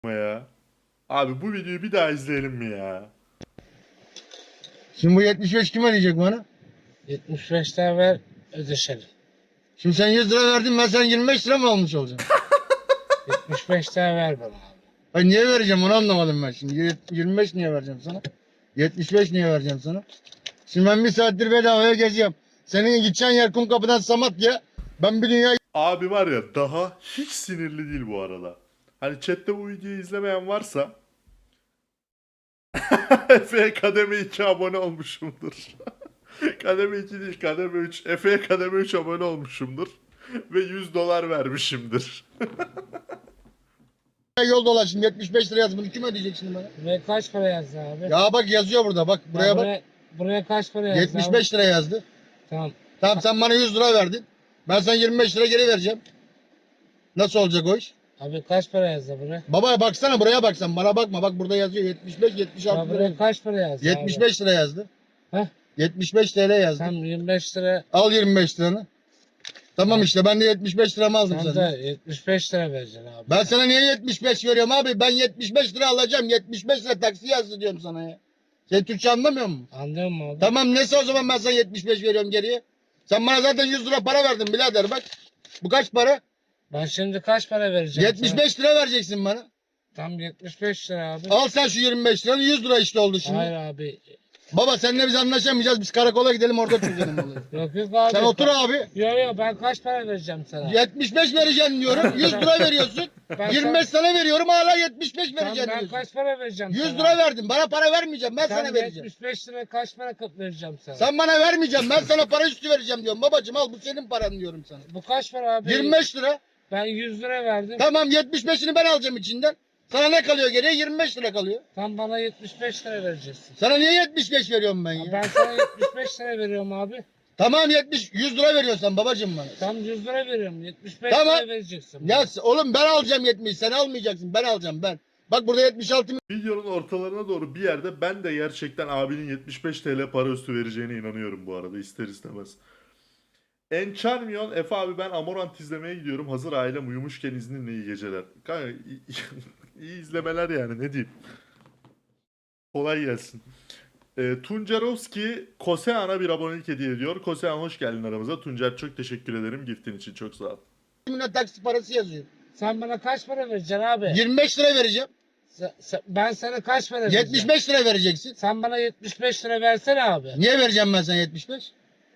ya. Abi bu videoyu bir daha izleyelim mi ya? Şimdi bu 75 kim ödeyecek bana? 75 lira ver ödeşelim. Şimdi sen 100 lira verdin, ben sana 25 lira mı almış olacağım? 75 lira ver bana abi. Hayır, niye vereceğim onu anlamadım ben şimdi. 25 niye vereceğim sana? 75 niye vereceğim sana? Şimdi ben bir saattir bedavaya geziyorum. Senin gideceğin yer Kumkapı'dan Samatya'ya. Ben bir dünya Abi var ya daha hiç sinirli değil bu arada. Hani chatte bu videoyu izlemeyen varsa Efe'ye kademe 2 abone olmuşumdur. Kademe 2 değil kademe 3. Efe'ye kademe 3 abone olmuşumdur. Ve $100 vermişimdir. yol dolaştım. 75 lira yaz. Bunu kim ödeyecek şimdi bana? Buraya kaç para yazdı abi? Ya bak yazıyor burada. Bak buraya Ya bak. buraya kaç para yazdı 75 lira yazdı. abi? Tamam. Tamam, sen bana 100 lira verdin. Ben sana 25 lira geri vereceğim. Nasıl olacak o iş? Abi kaç para yazdı buraya? Baba baksana, buraya bak sen. Bana bakma. Bak burada yazıyor 75 Ya 76 lira. buraya kaç para yazdı 75 lira yazdı. Heh. 75 TL yazdı. Tam 25 lira. Al 25 liranı. Tamam Ha. işte, ben de 75 liramı aldım Sen senden. de 75 lira vereceksin abi. Ben sana niye 75 veriyorum abi? Ben 75 lira alacağım. 75 lira taksi yazdı diyorum sana ya. Sen Türkçe anlamıyor musun? Anlıyor musun abi? Tamam, neyse o zaman ben sana 75 veriyorum geriye. Sen bana zaten 100 lira para verdin birader bak. Bu kaç para? Ben şimdi kaç para vereceğim 75 lira vereceksin bana. sana? Tam 75 lira abi. Al sen şu 25 liranı, 100 lira işte oldu şimdi. Hayır abi. Baba seninle biz anlaşamayacağız. Biz karakola gidelim, orada çözelim olayı. Yok yok abi. Sen otur abi. Yok ben kaç para vereceğim sana? 75 vereceğim diyorum. 100 lira veriyorsun. Ben 25 sana veriyorum, hala 75 Tamam, vereceğim ben diyorsun. kaç para vereceğim 100 sana? lira verdim. Bana para vermeyeceğim. Ben Sen sana vereceğim. 75 lira kaç para vereceğim sana? Sen bana vermeyeceğim. Ben sana para üstü vereceğim diyorum. Babacım al, bu senin paran diyorum sana. Bu kaç para abi? 25 lira. Ben 100 lira verdim. Tamam, 75'ini ben alacağım içinden. Sana ne kalıyor geriye? 25 lira kalıyor. Tam bana 75 lira vereceksin. Sana niye 75 veriyorum ben ya? Ben sana 75 lira veriyorum abi. Tamam 100 lira veriyorsan babacım bana. Tam 100 lira veriyorum. 75 Tamam. lira vereceksin. Ya oğlum ben alacağım 70. Sen almayacaksın. Ben alacağım ben. Bak burada 76 Videonun ortalarına doğru bir yerde ben de gerçekten abinin 75 TL para üstü vereceğine inanıyorum bu arada ister istemez. Encharmion Efe abi, ben Amorant izlemeye gidiyorum. Hazır ailem uyumuşken izninle iyi geceler. Kanka iyi izlemeler yani, ne diyeyim. Kolay gelsin. Tuncerovski Kosean'a bir abonelik hediye ediyor. Kosean hoş geldin aramıza. Tuncer çok teşekkür ederim giftin için, çok sağ ol. milyon taksi parası yazıyor. Sen bana kaç para vereceksin abi? 25 lira vereceğim. Ben sana kaç para vereceğim? 75 lira vereceksin. Sen bana 75 lira versene abi. Niye vereceğim ben sana 75?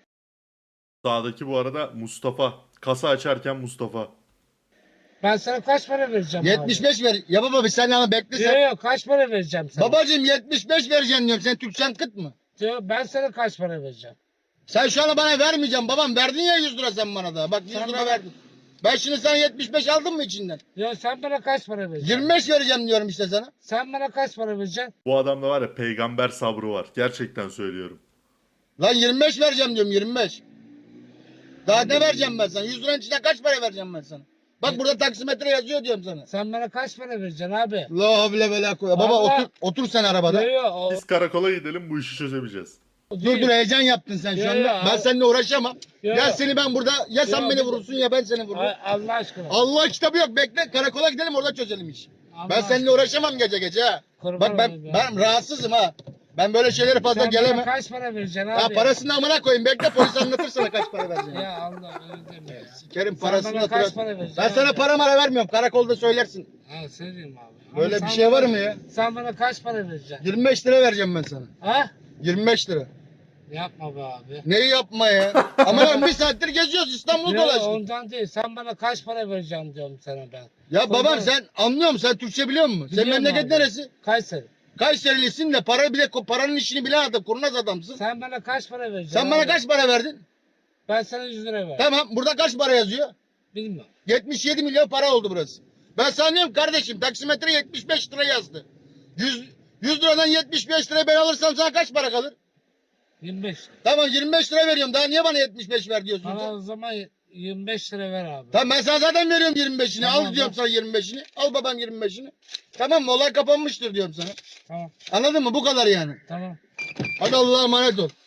Sağdaki bu arada Mustafa. Kasa açarken Mustafa. Ben sana kaç para vereceğim 75 ver. Ya baba bir saniye ama bekle abi? sen. Yok kaç para vereceğim sana? Babacım 75 vereceğim diyorum. Sen Türkçen kıt mı? Diyor, ben sana kaç para vereceğim? Sen şu an bana vermeyeceğim babam. Verdin ya 100 lira sen bana da. Bak 100 Sen lira bana- verdin. Ben şimdi sana 75 aldım mı içinden? Ya sen bana kaç para vereceksin? 25 vereceğim diyorum işte sana. Sen bana kaç para vereceksin? Bu adamda var ya peygamber sabrı var. Gerçekten söylüyorum. Lan 25 vereceğim diyorum, 25. Daha ne vereceğim ben sana? 100 liranın içinden kaç para vereceğim ben sana? Bak burada taksimetre yazıyor diyorum sana. Sen bana kaç para vereceksin abi? La havle ve la kuvvete. Baba Allah. otur sen arabada. Yok Biz karakola gidelim, bu işi çözemeyeceğiz. Dur heyecan yaptın sen şu Yo, anda. yo, Ben al. seninle uğraşamam. Yo, Ya yo. seni ben burada, ya sen Yo, beni bir- vurursun ya ben seni vururum. Allah aşkına. Allah kitabı yok, bekle karakola gidelim, orada çözelim işi. Allah Ben seninle aşkına. uğraşamam gece gece ha. Kurban Bak ben olayım ya. ben rahatsızım ha. Ben böyle şeylere fazla Sen bana gelemem. kaç para vereceksin Ya abi? parasını amına koyayım, bekle polis anlatır sana kaç para vereceğini. Ya Allah öyle deme. Sikerim Sen parasını bana kaç hatırlat. para vereceksin? Ben sana abi? para mara vermiyorum, karakolda söylersin. Ha söyleyeyim abi. Böyle Ama bir sen şey var bana- mı ya? Sen bana kaç para vereceksin? 25 lira vereceğim ben sana. Ha? 25 lira. Yapma be abi. Neyi yapma ya? Ama lan bir saattir geziyoruz, İstanbul'u Yok dolaştık. ondan değil. Sen bana kaç para vereceksin diyorum sana ben. Ya babam Kurban- sen anlıyor musun? Sen Türkçe biliyor musun? Sen Biliyorum memleket abi. neresi? Kayseri. Kayserilisin de para bile paranın işini bilen adam, kurnaz adamsın. Sen bana kaç para vereceksin? Sen bana abi? kaç para verdin? Ben sana 100 lira ver. Tamam, burada kaç para yazıyor? Bilmiyorum. 77 milyon para oldu burası. Ben sana diyorum kardeşim, taksimetre 75 lira yazdı. 100 liradan 75 lira ben alırsam sana kaç para kalır? 25. Tamam 25 lira veriyorum. Daha niye bana 75 ver diyorsun Bana sen? o zaman 25 lira ver abi. Tamam ben sana zaten veriyorum 25'ini. Tamam, Al diyorum sana 25'ini. Al babam 25'ini. Tamam mı? Olay kapanmıştır diyorum sana. Tamam. Anladın mı? Bu kadar yani. Tamam. Hadi Allah'a emanet ol.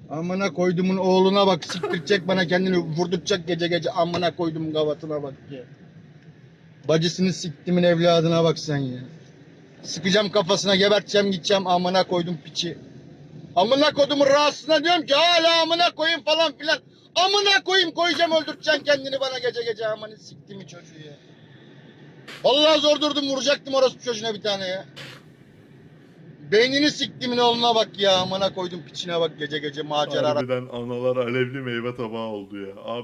Amına koydumun oğluna bak, siktirecek bana, kendini vurduracak gece gece, amına koydum gavatına bak ya. Bacısını siktimin evladına bak sen ya. Sıkacağım kafasına, geberteceğim, gideceğim, amına koydum piçi. Amına koydumun rahatsızına diyorum ki hala amına koyayım falan filan. Amına koyayım, koyacağım, öldürteceksin kendini bana gece gece, amına siktimi çocuğu ya. Vallahi zor durdum, vuracaktım orospu çocuğuna bir tane ya. Beynini siktimin oğluna bak ya, amına koydum piçine bak, gece gece macera. Harbiden analar alevli meyve tabağı oldu ya. Abi